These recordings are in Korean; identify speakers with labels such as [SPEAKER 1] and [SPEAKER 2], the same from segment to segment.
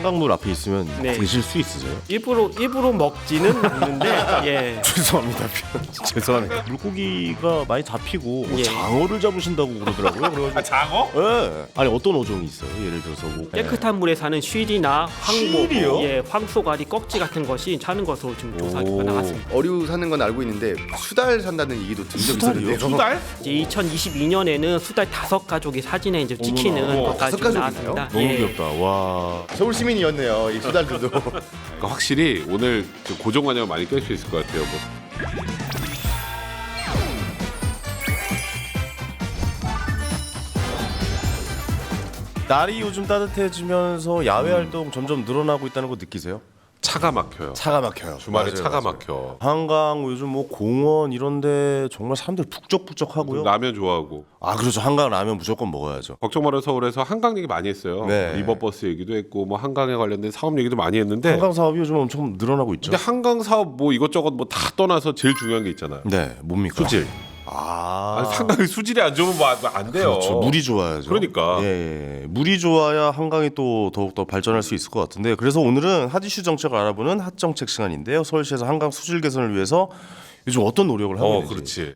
[SPEAKER 1] 한강물 앞에 있으면
[SPEAKER 2] 네.
[SPEAKER 1] 드실 수 있으세요?
[SPEAKER 2] 일부러 먹지는 않는데 예.
[SPEAKER 1] 죄송합니다. 죄송합니다. 물고기가 많이 잡히고
[SPEAKER 2] 예.
[SPEAKER 1] 장어를 잡으신다고 그러더라고요. 그래가지고
[SPEAKER 3] 장어?
[SPEAKER 1] 예. 아니 어떤 어종이 있어요? 예를 들어서 뭐
[SPEAKER 2] 깨끗한 물에 사는 쉬리나 황보,
[SPEAKER 1] 쉬리요?
[SPEAKER 2] 예, 황소가리, 꺽지 같은 것이 사는 것으로 지금 조사 결과 나왔습니다.
[SPEAKER 4] 어류 사는 건 알고 있는데 수달 산다는 얘기도 든 적이
[SPEAKER 1] 수달이요?
[SPEAKER 4] 있었는데요.
[SPEAKER 3] 수달?
[SPEAKER 2] 이제 2022년에는 수달 5가족이 사진에 이제 찍히는
[SPEAKER 1] 어머나.
[SPEAKER 2] 것까지
[SPEAKER 4] 5가족이나요?
[SPEAKER 2] 나왔습니다.
[SPEAKER 1] 너무
[SPEAKER 2] 예.
[SPEAKER 1] 귀엽다. 와.
[SPEAKER 4] 서울 시민이었네요. 이 수달들도.
[SPEAKER 3] 그러니까 확실히 오늘 좀 고정관념을 많이 깰 수 있을 것 같아요. 뭐.
[SPEAKER 1] 날이 요즘 따뜻해지면서 야외 활동 점점 늘어나고 있다는 거 느끼세요?
[SPEAKER 3] 차가 막혀요.
[SPEAKER 1] 차가 막혀요.
[SPEAKER 3] 주말에
[SPEAKER 1] 맞아요,
[SPEAKER 3] 차가
[SPEAKER 1] 맞아요.
[SPEAKER 3] 막혀.
[SPEAKER 1] 한강 요즘 뭐 공원 이런데 정말 사람들 북적북적하고요.
[SPEAKER 3] 라면 좋아하고.
[SPEAKER 1] 아 그렇죠. 한강 라면 무조건 먹어야죠.
[SPEAKER 3] 걱정 말아 서울에서 한강 얘기 많이 했어요.
[SPEAKER 1] 네.
[SPEAKER 3] 리버버스 얘기도 했고 뭐 한강에 관련된 사업 얘기도 많이 했는데
[SPEAKER 1] 한강 사업이 요즘 엄청 늘어나고 있죠.
[SPEAKER 3] 근데 한강 사업 뭐 이것저것 뭐 다 떠나서 제일 중요한 게 있잖아요.
[SPEAKER 1] 네, 뭡니까?
[SPEAKER 3] 수질.
[SPEAKER 1] 아,
[SPEAKER 3] 아니, 상당히 수질이 안 좋으면 뭐 안 돼요.
[SPEAKER 1] 그렇죠. 물이 좋아야죠.
[SPEAKER 3] 그러니까.
[SPEAKER 1] 예, 예. 물이 좋아야 한강이 또 더욱더 발전할 수 있을 것 같은데 그래서 오늘은 핫 이슈 정책을 알아보는 핫 정책 시간인데요. 서울시에서 한강 수질 개선을 위해서 요즘 어떤 노력을 하고 있는지.
[SPEAKER 3] 그렇지.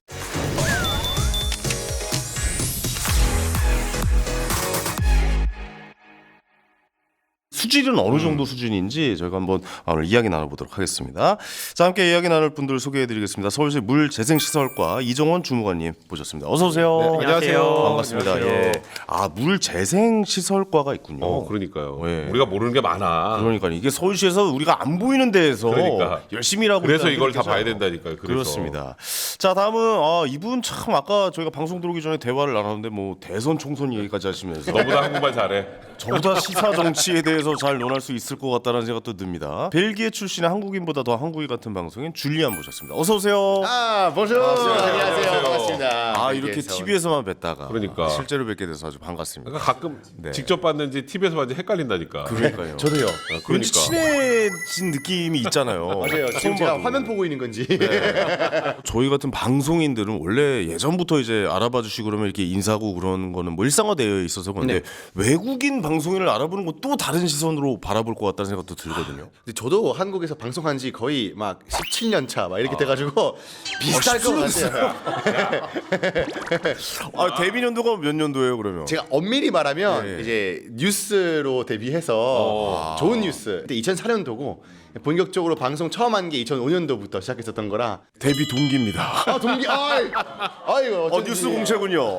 [SPEAKER 1] 수질은 어느 정도 수준인지 저희가 한번 오늘 이야기 나눠보도록 하겠습니다. 자, 함께 이야기 나눌 분들 소개해드리겠습니다. 서울시 물재생시설과 이정원 주무관님 모셨습니다. 어서 오세요.
[SPEAKER 2] 네, 안녕하세요.
[SPEAKER 1] 반갑습니다.
[SPEAKER 3] 안녕하세요.
[SPEAKER 1] 예. 아, 물재생시설과가 있군요.
[SPEAKER 3] 그러니까요.
[SPEAKER 1] 예.
[SPEAKER 3] 우리가 모르는 게 많아.
[SPEAKER 1] 그러니까 이게 서울시에서 우리가 안 보이는 데에서
[SPEAKER 3] 그러니까.
[SPEAKER 1] 열심히 일하고
[SPEAKER 3] 그래서
[SPEAKER 1] 있다는
[SPEAKER 3] 이걸 다
[SPEAKER 1] 얘기잖아요.
[SPEAKER 3] 봐야 된다니까요. 그래서.
[SPEAKER 1] 그렇습니다. 자, 다음은 이분 참 아까 저희가 방송 들어오기 전에 대화를 나눴는데 뭐 대선 총선 얘기까지 하시면서
[SPEAKER 3] 너보다 한국말 잘해.
[SPEAKER 1] 저보다 시사 정치에 대해서 잘 논할 수 있을 것 같다는 생각도 듭니다. 벨기에 출신의 한국인보다 더 한국인 같은 방송인 줄리안 모셨습니다. 어서 오세요.
[SPEAKER 4] 아, bonjour. 안녕하세요. 반갑습니다.
[SPEAKER 1] 아, 이렇게
[SPEAKER 4] 벨기에에서.
[SPEAKER 1] TV에서만 뵀다가
[SPEAKER 3] 그러니까.
[SPEAKER 1] 실제로 뵙게 돼서 아주 반갑습니다.
[SPEAKER 3] 그러니까 가끔
[SPEAKER 1] 네.
[SPEAKER 3] 직접 봤는지 TV에서 봤는지 헷갈린다니까.
[SPEAKER 1] 그러니까요.
[SPEAKER 4] 저도요.
[SPEAKER 1] 왠지
[SPEAKER 3] 그러니까.
[SPEAKER 1] 친해진 느낌이 있잖아요.
[SPEAKER 4] 맞아요. 지금 제가 화면 보고 있는 건지.
[SPEAKER 1] 저희 같은 방송인들은 원래 예전부터 이제 알아봐 주시고 그러면 이렇게 인사하고 그런 거는 뭐 일상화되어 있어서 그런데 외국인 방송인을 알아보는 건 또 다른 시선으로 바라볼 것 같다는 생각도 들거든요.
[SPEAKER 4] 근데 저도 한국에서 방송한 지 거의 막 17년 차 막 이렇게 돼가지고 비슷할 것 같아요.
[SPEAKER 1] 데뷔 연도가 몇 년도예요, 그러면?
[SPEAKER 4] 제가 엄밀히 말하면
[SPEAKER 1] 예.
[SPEAKER 4] 이제 뉴스로 데뷔해서 좋은 뉴스. 그때 2004년도고 본격적으로 방송 처음 한 게 2005년도부터 시작했었던 거라.
[SPEAKER 1] 데뷔 동기입니다.
[SPEAKER 4] 아 동기, 아이고 어쩐지.
[SPEAKER 1] 뉴스 공채군요.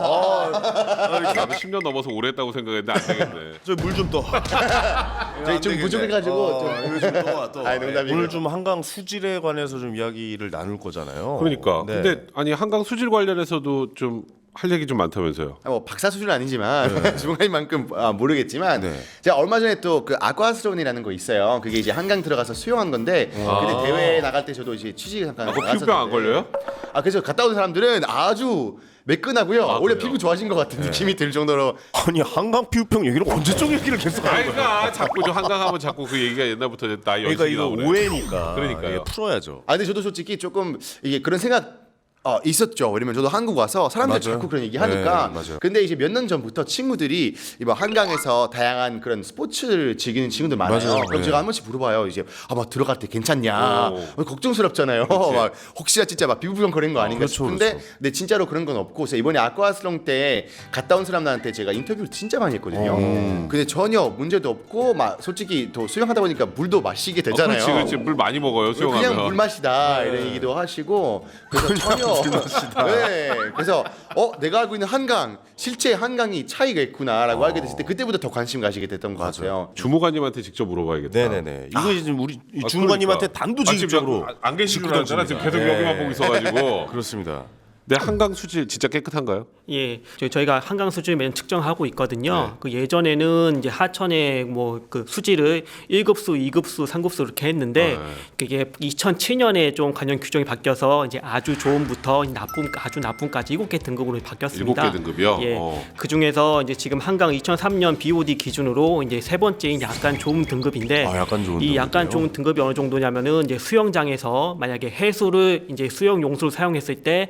[SPEAKER 3] 나도 10년 넘어서 오래 했다고 생각했는데 안 되겠네.
[SPEAKER 1] 저 물 좀 떠.
[SPEAKER 4] 저희 좀 부족해가지고 좀.
[SPEAKER 1] 이거 좀 떠.
[SPEAKER 4] 아이, 농담이고요.
[SPEAKER 1] 오늘 좀 한강 수질에 관해서 좀 이야기를 나눌 거잖아요.
[SPEAKER 3] 그러니까.
[SPEAKER 1] 네.
[SPEAKER 3] 근데 아니 한강 수질 관련해서도 좀 할 얘기 좀 많다면서요.
[SPEAKER 4] 뭐 박사 수준은 아니지만 주무관님만큼 모르겠지만
[SPEAKER 1] 네.
[SPEAKER 4] 제가 얼마 전에 또 그 아쿠아스론이라는 거 있어요. 그게 이제 한강 들어가서 수영한 건데 근데 대회 나갈 때 저도 이제 취직 잠깐
[SPEAKER 3] 그거
[SPEAKER 4] 나갔었는데
[SPEAKER 3] 피부병 안 걸려요?
[SPEAKER 4] 그래서 갔다 온 사람들은 아주 매끈하고요. 오히려
[SPEAKER 3] 그래요?
[SPEAKER 4] 피부 좋아진 것 같은 느낌이 들 정도로.
[SPEAKER 1] 아니 한강 피부병 얘기를 언제적 얘기를 계속 하는 거예요?
[SPEAKER 3] 아이가 자꾸 저 한강 하면 자꾸 그 얘기가 옛날부터 나
[SPEAKER 1] 그러니까
[SPEAKER 3] 연식이
[SPEAKER 1] 이거
[SPEAKER 3] 나오네.
[SPEAKER 1] 오해니까.
[SPEAKER 3] 그러니까요.
[SPEAKER 1] 예, 풀어야죠.
[SPEAKER 4] 근데 저도 솔직히 조금 이게 그런 생각 있었죠. 왜냐면 저도 한국 와서 사람들
[SPEAKER 1] 맞아요.
[SPEAKER 4] 자꾸 그런 얘기 하니까.
[SPEAKER 1] 네, 맞아요.
[SPEAKER 4] 근데 이제 몇 년 전부터 친구들이 이번 한강에서 다양한 그런 스포츠를 즐기는 친구들 많아요.
[SPEAKER 1] 맞아요.
[SPEAKER 4] 그럼
[SPEAKER 1] 네.
[SPEAKER 4] 제가 한 번씩 물어봐요. 이제 막 들어갈 때 괜찮냐? 걱정스럽잖아요. 막 혹시나 진짜 막 피부병 걸린 거 아닌가
[SPEAKER 1] 그렇죠,
[SPEAKER 4] 싶은데
[SPEAKER 1] 그렇죠.
[SPEAKER 4] 근데 진짜로 그런 건 없고 그래서 이번에 아쿠아슬롱 때 갔다 온 사람들한테 제가 인터뷰를 진짜 많이 했거든요. 근데 전혀 문제도 없고 막 솔직히 또 수영하다 보니까 물도 마시게 되잖아요.
[SPEAKER 3] 그렇지. 물 많이 먹어요 수영하면.
[SPEAKER 4] 그냥 물 마시다 이런 얘기도 하시고 그래서 전혀 네 그래서 내가 알고 있는 한강 실제 한강이 차이가 있구나라고 알게 됐을 때 그때부터 더 관심 가시게 됐던 것 같아요.
[SPEAKER 3] 주무관님한테 직접 물어봐야겠다.
[SPEAKER 1] 네네네. 이거 지금 우리 주무관님한테
[SPEAKER 3] 그러니까.
[SPEAKER 1] 단도직입적으로
[SPEAKER 3] 지금 안 계신 줄 알았잖아. 지금 계속
[SPEAKER 1] 네.
[SPEAKER 3] 여기만 보고 있어가지고.
[SPEAKER 1] 그렇습니다.
[SPEAKER 3] 네, 한강 수질 진짜 깨끗한가요?
[SPEAKER 2] 예, 저희가 한강 수질 매년 측정하고 있거든요.
[SPEAKER 3] 네.
[SPEAKER 2] 그 예전에는 이제 하천에 뭐 그 수질을 1급수, 2급수, 3급수 이렇게 했는데 그게 2007년에 좀 관련 규정이 바뀌어서 이제 아주 좋음부터 나쁨, 아주 나쁨까지 7개 등급으로 바뀌었습니다.
[SPEAKER 3] 7개 등급이요?
[SPEAKER 2] 예, 그 중에서 이제 지금 한강 2003년 BOD 기준으로 이제 세 번째인 약간 좋은 등급인데
[SPEAKER 1] 약간 좋은
[SPEAKER 2] 이 약간
[SPEAKER 1] 등급이요?
[SPEAKER 2] 좋은 등급이 어느 정도냐면은 이제 수영장에서 만약에 해수를 이제 수영 용수를 사용했을 때 이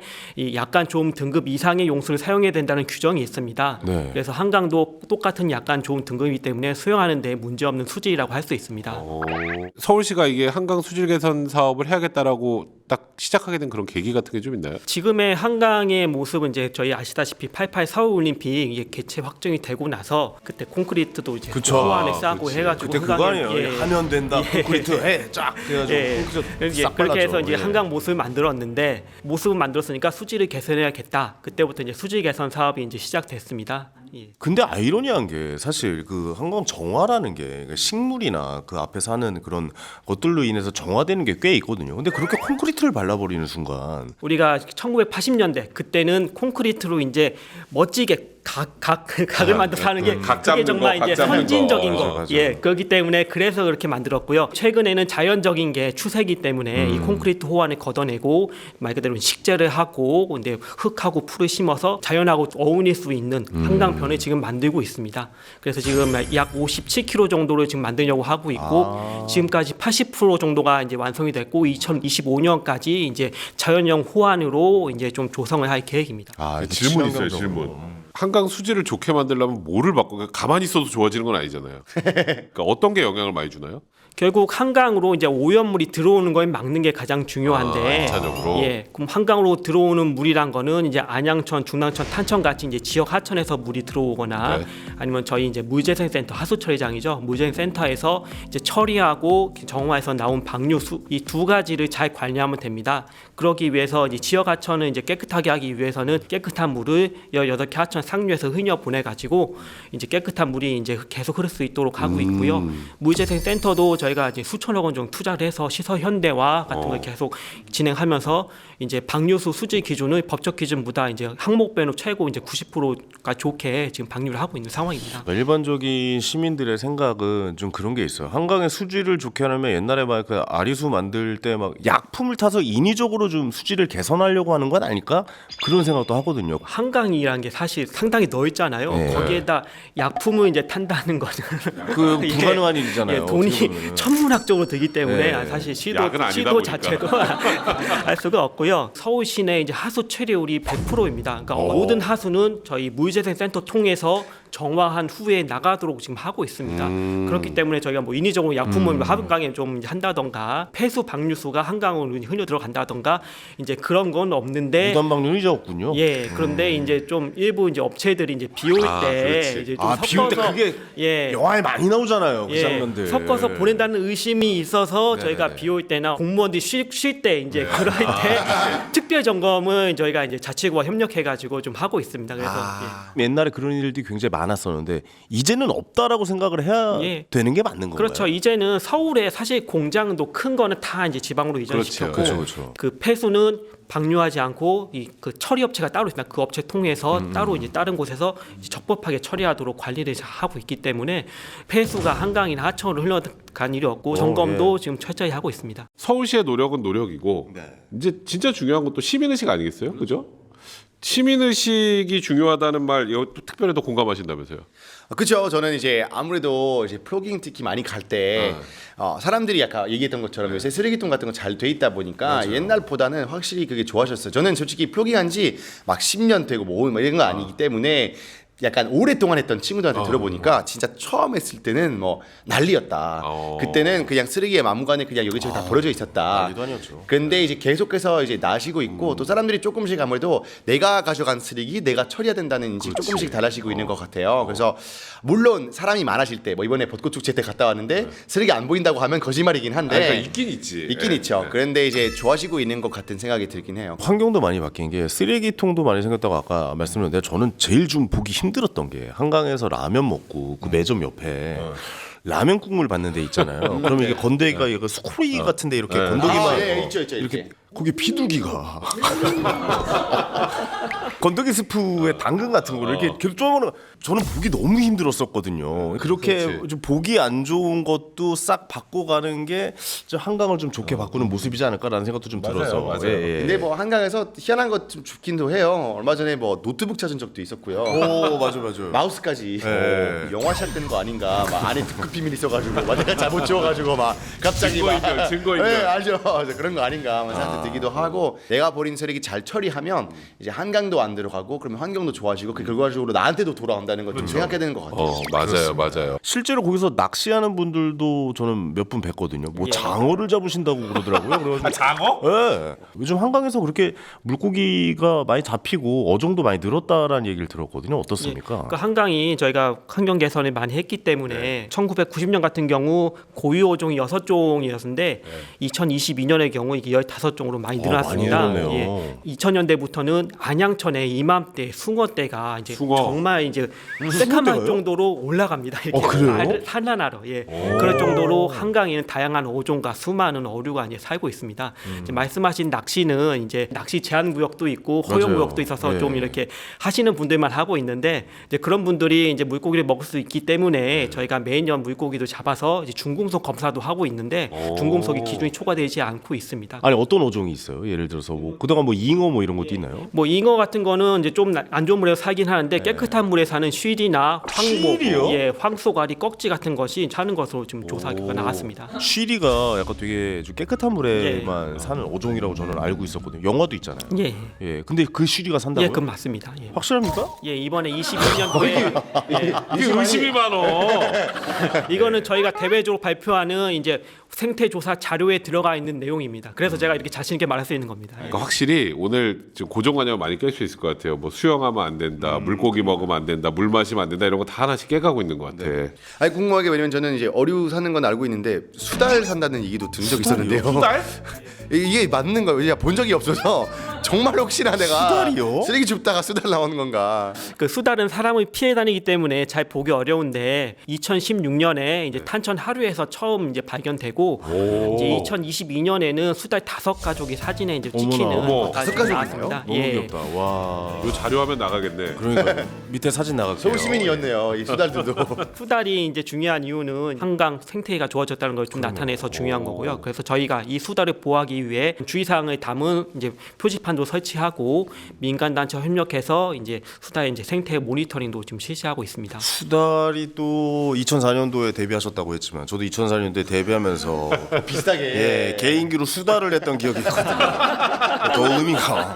[SPEAKER 2] 이 약간 좋은 등급 이상의 용수를 사용해야 된다는 규정이 있습니다.
[SPEAKER 1] 네.
[SPEAKER 2] 그래서 한강도 똑같은 약간 좋은 등급이기 때문에 수용하는 데 문제 없는 수질이라고 할 수 있습니다.
[SPEAKER 3] 서울시가 이게 한강 수질 개선 사업을 해야겠다라고 딱 시작하게 된 그런 계기 같은 게 좀 있나요?
[SPEAKER 2] 지금의 한강의 모습은 이제 저희 아시다시피 88 서울올림픽 이게 개최 확정이 되고 나서 그때 콘크리트도 이제
[SPEAKER 1] 그쵸.
[SPEAKER 2] 호안에 싸고
[SPEAKER 3] 그치.
[SPEAKER 2] 해가지고
[SPEAKER 1] 그때 그거
[SPEAKER 2] 한강에,
[SPEAKER 1] 아니에요. 하면 된다. 콘크리트 해.쫙 해가지고
[SPEAKER 2] 예,
[SPEAKER 1] 콘크리트
[SPEAKER 2] 예,
[SPEAKER 1] 싹
[SPEAKER 2] 그렇게 해서
[SPEAKER 1] 발랐죠.
[SPEAKER 2] 이제
[SPEAKER 1] 예.
[SPEAKER 2] 한강 모습을 만들었는데 모습을 만들었으니까 수질을 개선해야겠다. 그때부터 이제 수질 개선 사업이 이제 시작됐습니다. 예.
[SPEAKER 1] 근데 아이러니한 게 사실 그 한강 정화라는 게 식물이나 그 앞에 사는 그런 것들로 인해서 정화되는 게 꽤 있거든요. 근데 그렇게 콘크리트를 발라버리는 순간
[SPEAKER 2] 우리가 1980년대 그때는 콘크리트로 이제 멋지게 각을 만들어서 하는 게
[SPEAKER 3] 각
[SPEAKER 2] 그게
[SPEAKER 3] 잡는
[SPEAKER 2] 정말
[SPEAKER 3] 거,
[SPEAKER 2] 이제
[SPEAKER 3] 각 잡는
[SPEAKER 2] 선진적인
[SPEAKER 3] 거.
[SPEAKER 2] 거.
[SPEAKER 1] 맞아, 맞아.
[SPEAKER 2] 예, 그렇기 때문에 그래서 그렇게 만들었고요. 최근에는 자연적인 게 추세이기 때문에 이 콘크리트 호환을 걷어내고 말 그대로 식재를 하고 근데 흙하고 풀을 심어서 자연하고 어울릴 수 있는 한강변을 지금 만들고 있습니다. 그래서 지금 약 57km 정도를 지금 만들려고 하고 있고 지금까지 80% 정도가 이제 완성이 됐고 2025년까지 이제 자연형 호환으로 이제 좀 조성을 할 계획입니다.
[SPEAKER 1] 아,
[SPEAKER 3] 질문 있어요.
[SPEAKER 1] 친환경적으로.
[SPEAKER 3] 질문. 한강 수질을 좋게 만들려면 뭐를 바꿔? 그러니까 가만히 있어도 좋아지는 건 아니잖아요. 그러니까 어떤 게 영향을 많이 주나요?
[SPEAKER 2] 결국 한강으로 이제 오염물이 들어오는 걸 막는 게 가장 중요한데,
[SPEAKER 3] 일차적으로.
[SPEAKER 2] 예, 그럼 한강으로 들어오는 물이란 거는 이제 안양천, 중랑천, 탄천 같이 이제 지역 하천에서 물이 들어오거나
[SPEAKER 3] 네.
[SPEAKER 2] 아니면 저희 이제 물재생센터 하수처리장이죠, 물재생센터에서 이제 처리하고 정화해서 나온 방류수 이 두 가지를 잘 관리하면 됩니다. 그러기 위해서 이제 지역 하천을 이제 깨끗하게 하기 위해서는 깨끗한 물을 18개 하천 상류에서 흘려 보내 가지고 이제 깨끗한 물이 이제 계속 흐를 수 있도록 하고 있고요. 물재생센터도 저희가 이제 수천억 원 정도 투자를 해서 시설 현대화 같은 걸 계속 진행하면서 이제 방류수 수질 기준을 법적 기준보다 이제 항목별로 최고 이제 90%가 좋게 지금 방류를 하고 있는 상황입니다.
[SPEAKER 1] 그러니까 일반적인 시민들의 생각은 좀 그런 게 있어요. 한강의 수질을 좋게 하려면 옛날에 막 그 아리수 만들 때 막 약품을 타서 인위적으로 좀 수질을 개선하려고 하는 건 아닐까? 그런 생각도 하거든요.
[SPEAKER 2] 한강이라는 게 사실 상당히 넓잖아요.
[SPEAKER 1] 네.
[SPEAKER 2] 거기에다 약품을 이제 탄다는 거는
[SPEAKER 1] 그
[SPEAKER 2] 이게,
[SPEAKER 1] 불가능한 일이잖아요.
[SPEAKER 2] 예,
[SPEAKER 1] 어떻게
[SPEAKER 2] 돈이
[SPEAKER 1] 보면은.
[SPEAKER 2] 천문학적으로 들기 때문에
[SPEAKER 1] 네.
[SPEAKER 2] 사실
[SPEAKER 3] 약은 아니다
[SPEAKER 2] 시도
[SPEAKER 3] 보니까.
[SPEAKER 2] 자체도 알 수가 없고요. 서울 시내 이제 하수 처리율이 100%입니다. 그러니까 모든 하수는 저희 물재생센터 통해서 정화한 후에 나가도록 지금 하고 있습니다. 그렇기 때문에 저희가 뭐 인위적으로 약품을 한강에 좀 한다던가 폐수 방류수가 한강으로 흘려 들어간다던가 이제 그런 건 없는데
[SPEAKER 1] 무단 방류는 이제 없군요.
[SPEAKER 2] 예, 그런데 이제 좀 일부 이제 업체들이 이제 비 올 때
[SPEAKER 3] 그렇지.
[SPEAKER 2] 이제 좀
[SPEAKER 1] 비 올 때
[SPEAKER 2] 섞어서
[SPEAKER 1] 그게
[SPEAKER 2] 예.
[SPEAKER 1] 영화에 많이 나오잖아요. 그
[SPEAKER 2] 예,
[SPEAKER 1] 장면들.
[SPEAKER 2] 섞어서 보낸다는 의심이 있어서 저희가 비 올 때나 공무원들이 쉴 때 이제 그럴 때 특별 점검은 저희가 이제 자치구와 협력해 가지고 좀 하고 있습니다. 그래서
[SPEAKER 1] 옛날에 그런 일들이 굉장히 많았었는데 이제는 없다라고 생각을 해야
[SPEAKER 2] 예.
[SPEAKER 1] 되는 게 맞는 건가요?
[SPEAKER 2] 그렇죠. 이제는 서울에 사실 공장도 큰 거는 다 이제 지방으로 이전시켰고
[SPEAKER 1] 그렇죠, 그렇죠.
[SPEAKER 2] 그 폐수는 방류하지 않고 이 그 처리 업체가 따로 있습니다. 그 업체 통해서 따로 이제 다른 곳에서 이제 적법하게 처리하도록 관리를 하고 있기 때문에 폐수가 한강이나 하천으로 흘러간 일이 없고 점검도 지금 철저히 하고 있습니다.
[SPEAKER 3] 서울시의 노력은 노력이고
[SPEAKER 1] 네.
[SPEAKER 3] 이제 진짜 중요한 건 또 시민의식 아니겠어요? 그죠? 시민의식이 중요하다는 말 이거 또 특별히 더 공감하신다면서요?
[SPEAKER 4] 그렇죠. 저는 이제 아무래도 이제 플로깅 특히 많이 갈 때 사람들이 아까 얘기했던 것처럼 요새 쓰레기통 같은 거 잘 돼 있다 보니까 옛날보다는 확실히 그게 좋아졌어요. 저는 솔직히 플로깅한 지 막 10년 되고 뭐 이런 거 아니기 때문에 약간 오랫동안 했던 친구들한테 들어보니까 진짜 처음 했을 때는 뭐 난리였다. 그때는 그냥 쓰레기에 막무가내 그냥 여기저기 다 버려져 있었다.
[SPEAKER 1] 난리도 아니었죠.
[SPEAKER 4] 근데 이제 계속해서 이제 나시고 있고 또 사람들이 조금씩 아무래도 내가 가져간 쓰레기 내가 처리해야 된다는 인식 조금씩 달라지고 있는 것 같아요. 그래서 물론 사람이 많아질 때 뭐 이번에 벚꽃 축제 때 갔다 왔는데 쓰레기 안 보인다고 하면 거짓말이긴 한데
[SPEAKER 3] 그러니까 있긴 있지.
[SPEAKER 4] 있긴 있죠. 그런데 이제 좋아지고 있는 것 같은 생각이 들긴 해요.
[SPEAKER 1] 환경도 많이 바뀐 게 쓰레기통도 많이 생겼다고 아까 말씀드렸는데 저는 제일 좀 보기 힘들었던 게 한강에서 라면 먹고 그 매점 옆에 라면 국물 받는 데 있잖아요. 그러면 이게 건더기가 이거 스코리 같은데 이렇게 건더기만
[SPEAKER 4] 있죠.
[SPEAKER 1] 이렇게 거기 비둘기가 건더기 스프에 당근 같은 거를 이렇게 계속 쪼아먹는 저는 보기 너무 힘들었었거든요. 그렇게
[SPEAKER 3] 그렇지.
[SPEAKER 1] 좀 보기 안 좋은 것도 싹 바꿔가는 게 좀 한강을 좀 좋게 바꾸는 모습이지 않을까라는 생각도 좀 들어서.
[SPEAKER 3] 맞아요.
[SPEAKER 4] 근데 뭐 한강에서 희한한 것 좀 죽긴도 해요. 얼마 전에 뭐 노트북 찾은 적도 있었고요.
[SPEAKER 1] 오 맞아.
[SPEAKER 4] 마우스까지
[SPEAKER 1] 네.
[SPEAKER 4] 영화 시작된 거 아닌가 막 안에 특급 비밀 있어가지고 막 내가 잘못 지워가지고 막 갑자기 막
[SPEAKER 3] 증거인멸.
[SPEAKER 4] 네, 알죠. 그런 거 아닌가 막 생각도 들기도 하고 내가 버린 쓰레기 잘 처리하면 이제 한강도 안 들어가고 그러면 환경도 좋아지고 그 결과적으로 나한테도 돌아온다는 걸 좀 생각해야 되는 것 같아요.
[SPEAKER 3] 맞아요.
[SPEAKER 1] 실제로 거기서 낚시하는 분들도 저는 몇 분 뵀거든요. 뭐 장어를 잡으신다고 그러더라고요. 그래가지고
[SPEAKER 3] 장어?
[SPEAKER 1] 예. 요즘 한강에서 그렇게 물고기가 많이 잡히고 어종도 많이 늘었다라는 얘기를 들었거든요. 어떻습니까?
[SPEAKER 2] 그 한강이 저희가 환경 개선을 많이 했기 때문에 1990년 같은 경우 고유 어종이 6종이었는데 2022년의 경우 이게 15종으로 많이 늘어났습니다.
[SPEAKER 1] 많이 늘었네요.
[SPEAKER 2] 2000년대부터는 안양천에 이맘때 숭어떼가 이제
[SPEAKER 3] 숭어.
[SPEAKER 2] 정말 이제 새카만
[SPEAKER 1] 숭어떼가요?
[SPEAKER 2] 정도로 올라갑니다. 이렇게
[SPEAKER 1] 그래요?
[SPEAKER 2] 산란하러 그럴 정도로 한강에는 다양한 어종과 수많은 어류가 이제 살고 있습니다. 이제 말씀하신 낚시는 이제 낚시 제한 구역도 있고 허용
[SPEAKER 1] 맞아요.
[SPEAKER 2] 구역도 있어서
[SPEAKER 1] 예.
[SPEAKER 2] 좀 이렇게 하시는 분들만 하고 있는데 이제 그런 분들이 이제 물고기를 먹을 수 있기 때문에 저희가 매년 물고기도 잡아서 이제 중금속 검사도 하고 있는데 중금속이 기준이 초과되지 않고 있습니다.
[SPEAKER 1] 아니 어떤 어종이 있어요? 예를 들어서 뭐 그동안 뭐 잉어 뭐 이런 것도 있나요?
[SPEAKER 2] 뭐 잉어 같은 거는 이제 좀 안 좋은 물에서 살긴 하는데 깨끗한 물에 사는 쉬리나 황복,
[SPEAKER 1] 쉬리요?
[SPEAKER 2] 황소가리, 꺽지 같은 것이 사는 것으로 지금 조사 결과 나왔습니다.
[SPEAKER 1] 쉬리가 약간 되게 좀 깨끗한 물에만 사는 어종이라고 저는 알고 있었거든요. 영화도 있잖아요.
[SPEAKER 2] 예,
[SPEAKER 1] 예. 근데 그 쉬리가 산다고요?
[SPEAKER 2] 그 맞습니다. 예.
[SPEAKER 1] 확실합니까?
[SPEAKER 2] 예, 이번에 22년도에
[SPEAKER 3] 이게 의심이 많어.
[SPEAKER 2] 이거는 저희가 대외적으로 발표하는 이제 생태 조사 자료에 들어가 있는 내용입니다. 그래서 제가 이렇게 자신 있게 말할 수 있는 겁니다.
[SPEAKER 3] 그러니까 확실히 오늘 지금 고정관념 많이 깰 수 있을 것 같아요. 뭐 수영하면 안 된다, 물고기 먹으면 안 된다, 물 마시면 안 된다 이런 거 다 하나씩 깨가고 있는 것 같아.
[SPEAKER 4] 아니 궁금하게 왜냐면 저는 이제 어류 사는 건 알고 있는데 수달 산다는 얘기도 든 적이 있었는데요.
[SPEAKER 3] 수달?
[SPEAKER 4] 이게 맞는 거예요? 왜냐 본 적이 없어서 정말 혹시나 내가
[SPEAKER 1] 수달이요?
[SPEAKER 4] 쓰레기 줍다가 수달 나오는 건가?
[SPEAKER 2] 그 수달은 사람을 피해 다니기 때문에 잘 보기 어려운데 2016년에 이제 탄천 하류에서 처음 이제 발견되고 이제 2022년에는 수달 5가족이 사진에 이제 찍히는
[SPEAKER 3] 어머,
[SPEAKER 2] 것까지
[SPEAKER 4] 5가족이나요?
[SPEAKER 2] 나왔습니다.
[SPEAKER 1] 너무 귀엽다. 와.
[SPEAKER 3] 이 자료화면 나가겠네.
[SPEAKER 1] 그러니까 밑에 사진 나갈게요.
[SPEAKER 4] 서울 시민이었네요. 이 수달들도.
[SPEAKER 2] 수달이 이제 중요한 이유는 한강 생태계가 좋아졌다는 걸 좀 나타내서 중요한 거고요. 그래서 저희가 이 수달을 보호하기 위해 주의사항을 담은 이제 표지판도 설치하고 민간 단체 협력해서 이제 수달 이제 생태 모니터링도 지금 실시하고 있습니다.
[SPEAKER 1] 수달이 또 2004년도에 데뷔하셨다고 했지만 저도 2004년도에 데뷔하면서
[SPEAKER 4] 비슷하게.
[SPEAKER 1] 예, 개인기로 수달을 했던 기억이 있거든요. 더 의미가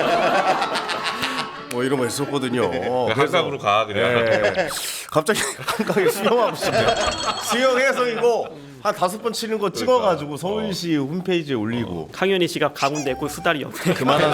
[SPEAKER 1] 뭐 이런 거 있었거든요.
[SPEAKER 3] 한강으로 가 그냥.
[SPEAKER 1] 예, 갑자기 한강에 수영하고 싶네요. 수영해서 이거 한 5번 치는 거 찍어가지고 서울시 홈페이지에 올리고
[SPEAKER 2] 강현희 씨가 가운데 있고 수달이 옆에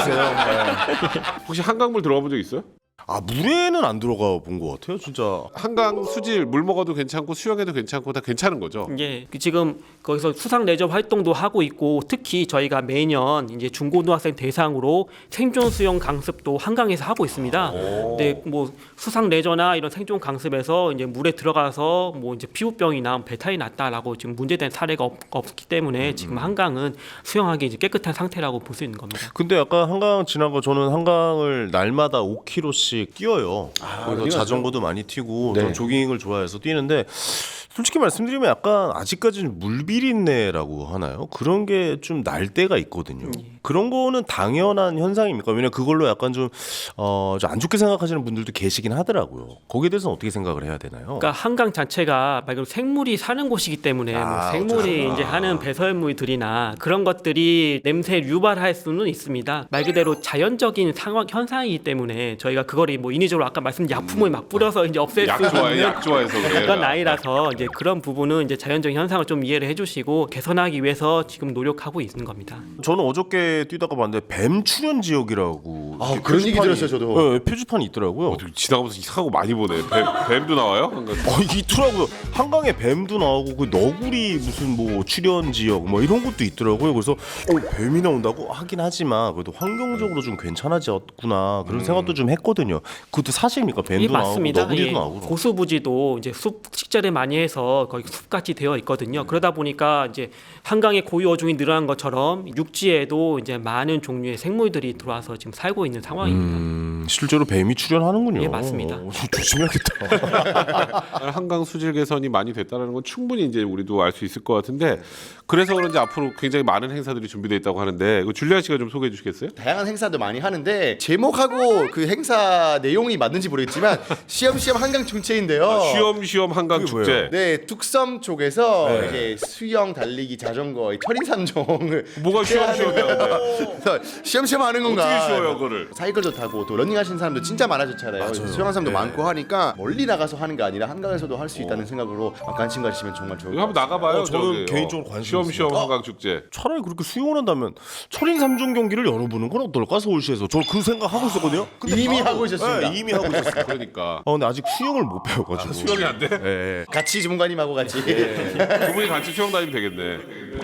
[SPEAKER 1] 그만하세요.
[SPEAKER 3] 혹시 한강물 들어가 본 적 있어요?
[SPEAKER 1] 아 물에는 안 들어가 본 것 같아요, 진짜.
[SPEAKER 3] 한강 수질 물 먹어도 괜찮고 수영해도 괜찮고 다 괜찮은 거죠.
[SPEAKER 2] 예, 지금 거기서 수상 레저 활동도 하고 있고 특히 저희가 매년 이제 중고등학생 대상으로 생존 수영 강습도 한강에서 하고 있습니다. 근데 뭐 수상 레저나 이런 생존 강습에서 이제 물에 들어가서 뭐 이제 피부병이나 배탈이 났다라고 지금 문제된 사례가 없기 때문에 지금 한강은 수영하기 이제 깨끗한 상태라고 볼 수 있는 겁니다.
[SPEAKER 1] 근데 아까 한강 지나고 저는 한강을 날마다 5km씩 뛰어요. 그래서 자전거도 많이 튀고 저는 조깅을 좋아해서 뛰는데 솔직히 말씀드리면 약간 아직까지는 물비린내라고 하나요? 그런 게 좀 날 때가 있거든요. 그런 거는 당연한 현상입니까? 왜냐면 그걸로 약간 좀 안 좋게 생각하시는 분들도 계시긴 하더라고요. 거기에 대해서는 어떻게 생각을 해야 되나요?
[SPEAKER 2] 그러니까 한강 자체가 말 그대로 생물이 사는 곳이기 때문에 뭐 생물이 이제 하는 배설물들이나 그런 것들이 냄새를 유발할 수는 있습니다. 말 그대로 자연적인 상황 현상이기 때문에 저희가 그거를 뭐 인위적으로 아까 말씀드린 약품을 막 뿌려서 이제 없앨 수 있는
[SPEAKER 3] 약 좋아해서 그래.
[SPEAKER 2] 그건 아니라서 이제 그런 부분은 이제 자연적인 현상을 좀 이해를 해주시고 개선하기 위해서 지금 노력하고 있는 겁니다.
[SPEAKER 1] 저는 어저께 뛰다가 봤는데 뱀 출현 지역이라고
[SPEAKER 4] 아,
[SPEAKER 1] 이렇게
[SPEAKER 4] 그런 얘기
[SPEAKER 1] 표지판이-
[SPEAKER 4] 들었어요, 저도.
[SPEAKER 1] 네, 표지판이 있더라고요.
[SPEAKER 3] 지나가면서 이상한 거 많이 보네. 뱀도 나와요? 한강.
[SPEAKER 1] 있더라고요. 한강에 뱀도 나오고 그 너구리 무슨 뭐 출현 지역 뭐 이런 것도 있더라고요. 그래서 뱀이 나온다고 하긴 하지만 그래도 환경적으로 좀 괜찮아졌구나 그런 생각도 좀 했거든요. 그것도 사실입니까? 뱀도
[SPEAKER 2] 예,
[SPEAKER 1] 나오고
[SPEAKER 2] 맞습니다.
[SPEAKER 1] 너구리도
[SPEAKER 2] 예.
[SPEAKER 1] 나오고.
[SPEAKER 2] 고수부지도 이제 숲 식재를 많이 해서 거의 숲같이 되어 있거든요. 그러다 보니까 이제 한강에 고유 어종이 늘어난 것처럼 육지에도 이제 많은 종류의 생물들이 들어와서 지금 살고 있는 상황입니다.
[SPEAKER 1] 실제로 뱀이 출현하는군요.
[SPEAKER 2] 예, 맞습니다.
[SPEAKER 1] 조심해야겠다.
[SPEAKER 3] 한강 수질 개선이 많이 됐다는 건 충분히 이제 우리도 알 수 있을 것 같은데 그래서 그런지 앞으로 굉장히 많은 행사들이 준비되어 있다고 하는데 줄리안 씨가 좀 소개해 주시겠어요?
[SPEAKER 4] 다양한 행사도 많이 하는데 제목하고 그 행사 내용이 맞는지 모르겠지만 시험시험 한강 중체인데요.
[SPEAKER 3] 쉬엄쉬엄 한강
[SPEAKER 1] 그게
[SPEAKER 3] 축제.
[SPEAKER 4] 네, 저희 뚝섬 쪽에서 이제 수영, 달리기, 자전거, 철인 3종을
[SPEAKER 3] 뭐가 쉬엄쉬엄해요?
[SPEAKER 4] 시험시험 하는 건가?
[SPEAKER 3] 어떻게 쉬워요, 그거를?
[SPEAKER 4] 사이클도 타고 또 러닝 하시는 사람도 진짜 많아졌잖아요. 수영하는 사람도 많고 하니까 멀리 나가서 하는 게 아니라 한강에서도 할 수 있다는 생각으로 관심 가지시면 정말 좋을 것
[SPEAKER 3] 이거 한번 나가봐요.
[SPEAKER 1] 저는
[SPEAKER 3] 저기,
[SPEAKER 1] 개인적으로 관심
[SPEAKER 3] 쉬엄쉬엄
[SPEAKER 1] 있어요.
[SPEAKER 3] 한강 축제.
[SPEAKER 1] 차라리 그렇게 수용을 한다면 철인 3종 경기를 열어보는 건 어떨까 서울시에서. 저 그 생각 하고 있었거든요. 근데
[SPEAKER 4] 이미 하고 있었습니다.
[SPEAKER 1] 네, 이미 하고 있었어요.
[SPEAKER 3] 그러니까
[SPEAKER 1] 근데 아직 수영을 못 배워가지고.
[SPEAKER 3] 수영이 안 돼?
[SPEAKER 1] 예.
[SPEAKER 4] 같이 주무관님하고 같이
[SPEAKER 3] 두 분이 같이 수영 다니면 되겠네.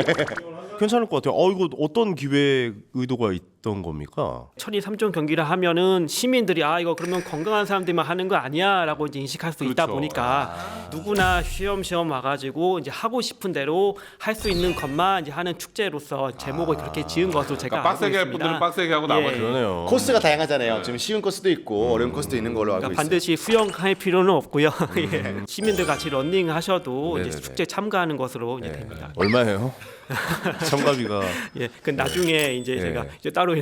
[SPEAKER 1] 괜찮을 것 같아요. 이거 어떤 기획 의도가 있던 겁니까?
[SPEAKER 2] 철인 3종 경기를 하면은 시민들이 이거 그러면 건강한 사람들만 하는 거 아니야라고 이제 인식할 수 있다
[SPEAKER 3] 그렇죠.
[SPEAKER 2] 보니까 누구나 쉬엄쉬엄 와가지고 이제 하고 싶은 대로 할 수 있는 것만 이제 하는 축제로서 제목을 그렇게 지은 것으로 제가
[SPEAKER 3] 그러니까 빡세게 할
[SPEAKER 2] 알고 있습니다.
[SPEAKER 3] 분들은 빡세게 하고 나머지
[SPEAKER 1] 그러네요.
[SPEAKER 4] 코스가 다양하잖아요. 지금 쉬운 코스도 있고 어려운 코스도 있는 걸로 알고
[SPEAKER 2] 그러니까
[SPEAKER 4] 있어요.
[SPEAKER 2] 반드시 수영할 필요는 없고요. 예. 시민들 같이 런닝 하셔도 이제
[SPEAKER 1] 네네네.
[SPEAKER 2] 축제 참가하는 것으로 이제 됩니다.
[SPEAKER 1] 얼마예요? 참가비가.
[SPEAKER 2] 예, 그 나중에 이제 제가 이제 따로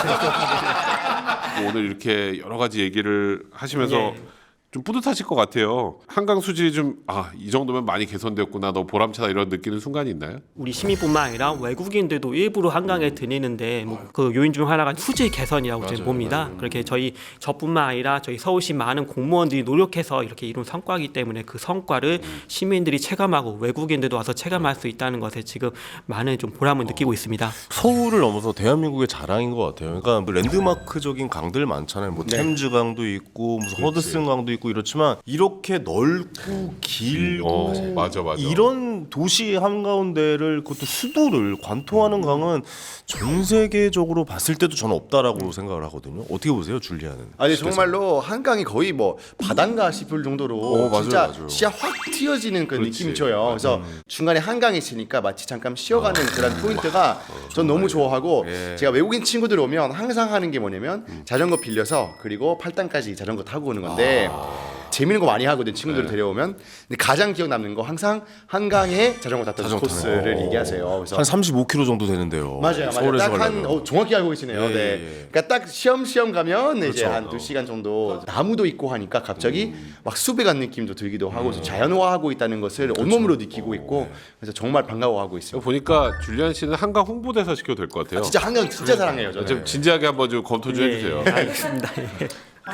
[SPEAKER 2] 연락드려요.
[SPEAKER 3] 오늘 이렇게 여러 가지 얘기를 하시면서
[SPEAKER 2] 예.
[SPEAKER 3] 좀 뿌듯하실 것 같아요. 한강 수질이 좀 이 정도면 많이 개선됐구나, 너 보람차다 이런 느끼는 순간이 있나요?
[SPEAKER 2] 우리 시민뿐만 아니라 외국인들도 일부러 한강에 다니는데 그 요인 중 하나가 수질 개선이라고 저는 봅니다. 그렇게 저뿐만 아니라 저희 서울시 많은 공무원들이 노력해서 이렇게 이룬 성과이기 때문에 그 성과를 시민들이 체감하고 외국인들도 와서 체감할 수 있다는 것에 지금 많은 좀 보람을 느끼고 있습니다.
[SPEAKER 1] 서울을 넘어서 대한민국의 자랑인 것 같아요. 그러니까 뭐 랜드마크적인 강들 많잖아요. 뭐 템즈 강도 있고 무슨 허드슨 강도 있고 이렇지만 이렇게 넓고 길고
[SPEAKER 3] 맞아.
[SPEAKER 1] 이런 도시 한가운데를 그것도 수도를 관통하는 강은 전 세계적으로 봤을 때도 저는 없다라고 생각을 하거든요. 어떻게 보세요, 줄리아는?
[SPEAKER 4] 아니 정말로 한강이 거의 뭐 바다인가 싶을 정도로
[SPEAKER 1] 맞아요,
[SPEAKER 4] 진짜
[SPEAKER 1] 맞아요.
[SPEAKER 4] 시야 확 튀어지는 그 느낌이 줘요. 그래서 중간에 한강에 있으니까 마치 잠깐 쉬어가는 그런 포인트가 전 너무 좋아하고 제가 외국인 친구들 오면 항상 하는 게 뭐냐면 자전거 빌려서 그리고 팔당까지 자전거 타고 오는 건데 재밌는 거 많이 하거든 친구들 데려오면. 근데 가장 기억 남는 거 항상 한강에 자전거 탔던 코스를 얘기하세요. 그래서
[SPEAKER 1] 한 35km 정도 되는데요.
[SPEAKER 4] 맞아요.
[SPEAKER 1] 서울에서
[SPEAKER 4] 딱 한
[SPEAKER 1] 가려면.
[SPEAKER 4] 정확히 알고 계시네요.
[SPEAKER 1] 예,
[SPEAKER 4] 네.
[SPEAKER 1] 예.
[SPEAKER 4] 그러니까 딱 시험 가면 이제
[SPEAKER 1] 그렇죠.
[SPEAKER 4] 한 2시간 정도 나무도 있고 하니까 갑자기 막 숲에 간 느낌도 들기도 하고 자연화하고 있다는 것을 온몸으로 느끼고 있고 그래서 정말 반가워하고 있습니다.
[SPEAKER 3] 보니까 줄리안 씨는 한강 홍보대사 시켜도 될 것 같아요.
[SPEAKER 4] 진짜 한강 진짜 사랑해요. 저는.
[SPEAKER 3] 좀 진지하게 한번 좀 검토 좀 해주세요.
[SPEAKER 2] 알겠습니다. 예.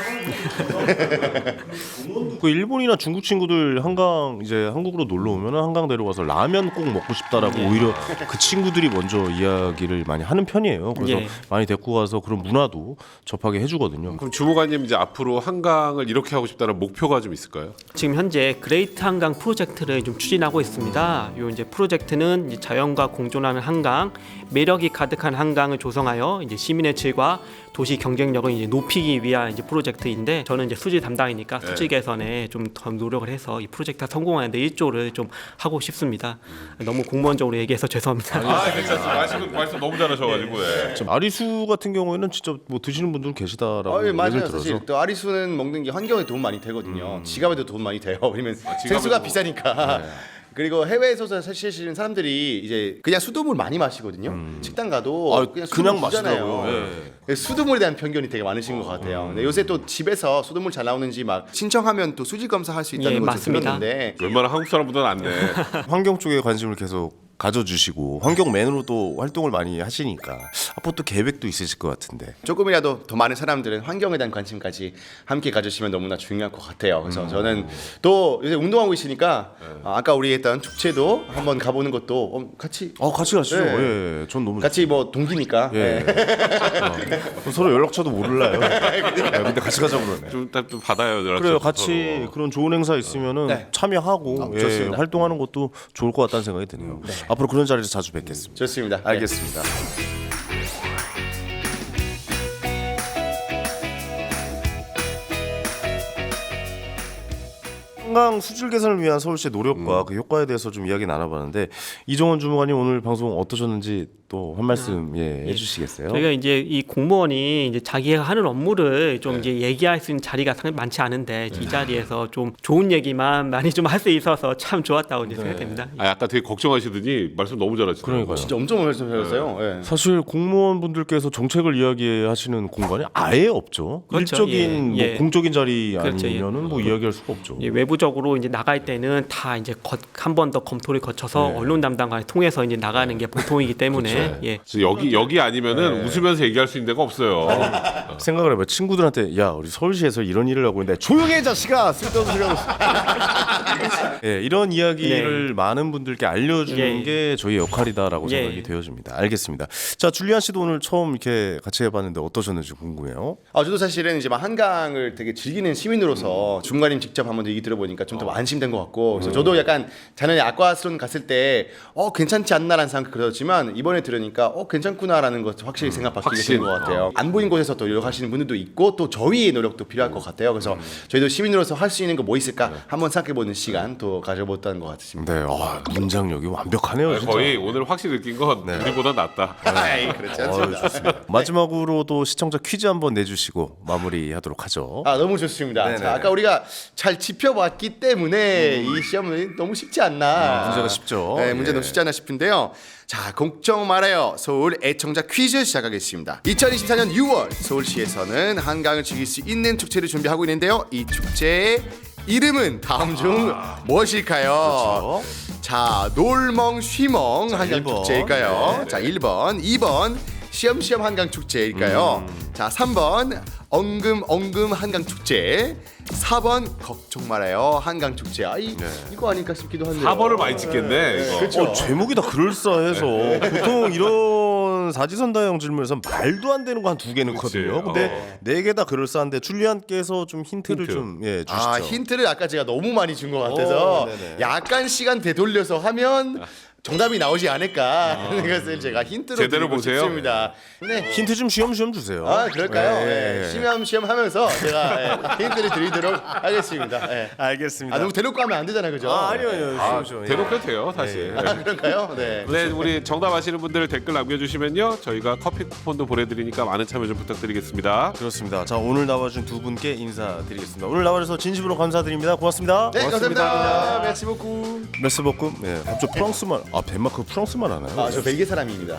[SPEAKER 1] 그 일본이나 중국 친구들 한강 이제 한국으로 놀러 오면 한강 데려가서 라면 꼭 먹고 싶다라고 오히려 그 친구들이 먼저 이야기를 많이 하는 편이에요. 그래서
[SPEAKER 2] 예.
[SPEAKER 1] 많이 데리고 가서 그런 문화도 접하게 해주거든요.
[SPEAKER 3] 그럼 주무관님 이제 앞으로 한강을 이렇게 하고 싶다는 목표가 좀 있을까요?
[SPEAKER 2] 지금 현재 그레이트 한강 프로젝트를 좀 추진하고 있습니다. 이 이제 프로젝트는 이제 자연과 공존하는 한강, 매력이 가득한 한강을 조성하여 이제 시민의 질과 도시 경쟁력을 이제 높이기 위한 이제 프로젝트인데 저는 이제 수질 담당이니까 수질 개선에 좀 더 노력을 해서 이 프로젝트가 성공하는데 일조를 좀 하고 싶습니다. 너무 공무원적으로 얘기해서 죄송합니다.
[SPEAKER 3] 괜찮습니다. 말씀 너무 잘하셔가지고.
[SPEAKER 1] 아리수 같은 경우에는 진짜 뭐 드시는 분들 계시다라고
[SPEAKER 4] 예,
[SPEAKER 1] 얘기를
[SPEAKER 4] 맞아요.
[SPEAKER 1] 들어서
[SPEAKER 4] 사실 또 아리수는 먹는 게 환경에 도움 많이 되거든요. 지갑에도 도움 많이 돼요. 왜냐면 생수가 비싸니까. 그리고 해외에서 사실은 사람들이 이제 그냥 수돗물 많이 마시거든요. 식당 가도 그냥 수돗물 주잖아요.
[SPEAKER 1] 마시더라고요.
[SPEAKER 4] 수돗물에 대한 편견이 되게 많으신 것 같아요. 근데 요새 또 집에서 수돗물 잘 나오는지 막 신청하면 또 수질 검사할 수 있다는
[SPEAKER 2] 예,
[SPEAKER 4] 걸
[SPEAKER 2] 맞습니다.
[SPEAKER 4] 들었는데
[SPEAKER 3] 웬만한 한국 사람보다는 안 돼.
[SPEAKER 1] 환경 쪽에 관심을 계속 가져주시고 환경맨으로 또 활동을 많이 하시니까 앞으로 또 계획도 있으실 것 같은데.
[SPEAKER 4] 조금이라도 더 많은 사람들은 환경에 대한 관심까지 함께 가주시면 너무나 중요할 것 같아요. 그래서 저는 또 요새 운동하고 있으니까 아까 우리 했던 축제도 한번 가보는 것도 같이
[SPEAKER 1] 같이 가시죠.
[SPEAKER 4] 네.
[SPEAKER 1] 예, 전 너무
[SPEAKER 4] 같이 뭐 동기니까.
[SPEAKER 1] 예. 서로 연락처도 모를라요. 근데 같이 가자고 그러네.
[SPEAKER 3] 좀 받아요. 연락처
[SPEAKER 1] 그래요.
[SPEAKER 3] 서로.
[SPEAKER 1] 같이 그런 좋은 행사 있으면은
[SPEAKER 4] 네.
[SPEAKER 1] 참여하고
[SPEAKER 4] 좋습니다.
[SPEAKER 1] 활동하는 것도 좋을 것 같다는 생각이 드네요. 앞으로 그런 자리에서 자주 뵙겠습니다.
[SPEAKER 4] 좋습니다.
[SPEAKER 1] 알겠습니다. 한강 수질 개선을 위한 서울시의 노력과 그 효과에 대해서 좀 이야기 나눠봤는데 이종원 주무관님 오늘 방송 어떠셨는지 또 한 말씀 해주시겠어요?
[SPEAKER 2] 저희가 이제 이 공무원이 이제 자기가 하는 업무를 좀 이제 얘기할 수 있는 자리가 상당히 많지 않은데 이 자리에서 좀 좋은 얘기만 많이 좀 할 수 있어서 참 좋았다고 이제 생각됩니다.
[SPEAKER 3] 아까 되게 걱정하시더니 말씀 너무 잘하시더라고요.
[SPEAKER 1] 그러니까요.
[SPEAKER 4] 진짜 엄청 말씀하셨어요. 예.
[SPEAKER 1] 사실 공무원분들께서 정책을 이야기하시는 공간이 아예 없죠.
[SPEAKER 2] 그렇죠.
[SPEAKER 1] 일적인
[SPEAKER 2] 예, 예.
[SPEAKER 1] 뭐 공적인 자리
[SPEAKER 2] 그렇죠.
[SPEAKER 1] 아니면은 뭐 이야기할 수가 없죠.
[SPEAKER 2] 외부적 공식적으로 이제 나갈 때는 다 이제 한 번 더 검토를 거쳐서 언론 담당관을 통해서 이제 나가는 게 보통이기 때문에 예.
[SPEAKER 3] 그래서 여기 아니면은 웃으면서 얘기할 수 있는 데가 없어요.
[SPEAKER 1] 생각을 해봐. 친구들한테 야 우리 서울시에서 이런 일을 하고 있는데 조용해 자식아 쓸데없는 소리 하고 있어. 예, 이런 이야기를 많은 분들께 알려주는
[SPEAKER 2] 예.
[SPEAKER 1] 게 저희 역할이다라고
[SPEAKER 2] 예.
[SPEAKER 1] 생각이 되어집니다. 알겠습니다. 자 줄리안 씨도 오늘 처음 이렇게 같이 해봤는데 어떠셨는지 궁금해요.
[SPEAKER 4] 저도 사실은 이제 막 한강을 되게 즐기는 시민으로서 중간님 직접 한번 얘기 들어보니까 좀 더 안심된 것 같고 그래서 저도 약간 작년에 아쿠아스론 갔을 때 괜찮지 않나라는 생각 들었지만 이번에 들으니까 괜찮구나라는 것 확실히 생각 바뀌게 된 것 같아요. 안 보인 곳에서 또 노력하시는 분들도 있고 또 저희의 노력도 필요할 것 같아요. 그래서 저희도 시민으로서 할 수 있는 거 뭐 있을까 한번 생각해보는 시간 또 가져봤다는 것 같습니다.
[SPEAKER 1] 네, 문장력이 완벽하네요. 진짜.
[SPEAKER 3] 거의 오늘 확실히 느낀 건 우리보다 낫다.
[SPEAKER 4] 아이, 그렇지 않습니다.
[SPEAKER 1] 좋습니다. 마지막으로도 시청자 퀴즈 한번 내주시고 마무리하도록 하죠.
[SPEAKER 4] 너무 좋습니다. 자, 아까 우리가 잘 짚어봤기 때문에 이 시험은 너무 쉽지 않나.
[SPEAKER 1] 문제가 쉽죠.
[SPEAKER 4] 네, 문제 너무 쉽지 않나 싶은데요. 자, 걱정 말아요. 서울 애청자 퀴즈 시작하겠습니다. 2024년 6월 서울시에서는 한강을 즐길 수 있는 축제를 준비하고 있는데요. 이 축제의 이름은 다음 중 무엇일까요?
[SPEAKER 1] 그렇죠.
[SPEAKER 4] 자, 놀멍 쉬멍 한강
[SPEAKER 1] 1번.
[SPEAKER 4] 축제일까요?
[SPEAKER 1] 네.
[SPEAKER 4] 자, 1번, 2번 시험시험 한강 축제일까요? 자, 3번 엉금 한강 축제, 4번 걱정 말아요 한강 축제. 이거 아닐까 싶기도 한데요.
[SPEAKER 3] 4번을 많이 찍겠네. 이거.
[SPEAKER 4] 그렇죠.
[SPEAKER 1] 제목이 다 그럴싸해서 보통 이런 사지선다형 질문에서 말도 안 되는 거 한 2개 넣거든요. 근데 4개 다 그럴싸한데 줄리안께서 좀 힌트를 좀 주시죠.
[SPEAKER 4] 힌트를 아까 제가 너무 많이 준 것 같아서
[SPEAKER 1] 네네.
[SPEAKER 4] 약간 시간 되돌려서 하면 정답이 나오지 않을까 하는 것을 제가 힌트로
[SPEAKER 3] 제대로
[SPEAKER 4] 드리고
[SPEAKER 3] 보세요.
[SPEAKER 4] 싶습니다. 네.
[SPEAKER 1] 힌트 좀 쉬엄쉬엄 주세요.
[SPEAKER 4] 그럴까요?
[SPEAKER 1] 네.
[SPEAKER 4] 시험시험 하면서 제가 힌트를 드리도록 하겠습니다.
[SPEAKER 1] 알겠습니다.
[SPEAKER 4] 너무 대놓고 하면 안 되잖아요, 그죠?
[SPEAKER 1] 아니요. 쉬엄쉬엄.
[SPEAKER 3] 대놓고 돼요, 사실.
[SPEAKER 4] 그런가요? 네.
[SPEAKER 3] 네, 우리 정답 아시는 분들 댓글 남겨주시면요 저희가 커피 쿠폰도 보내드리니까 많은 참여 좀 부탁드리겠습니다.
[SPEAKER 1] 그렇습니다. 자 오늘 나와준 2분께 인사드리겠습니다. 오늘 나와주셔서 진심으로 감사드립니다. 고맙습니다.
[SPEAKER 4] 네, 감사합니다. 메시 보쿠.
[SPEAKER 1] 메스버금. 네, 갑자기 프랑스말. 덴마크 프랑스말 하나요?
[SPEAKER 4] 저 벨기에 사람입니다.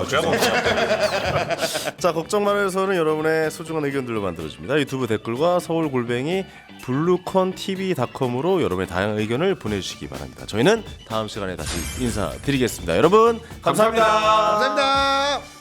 [SPEAKER 1] 자 걱정 말아요서는 여러분의 소중한 의견들로 만들어집니다. 유튜브 댓글과 서울골뱅이 블루컨TV.com으로 여러분의 다양한 의견을 보내주시기 바랍니다. 저희는 다음 시간에 다시 인사드리겠습니다. 여러분 감사합니다.
[SPEAKER 4] 감사합니다.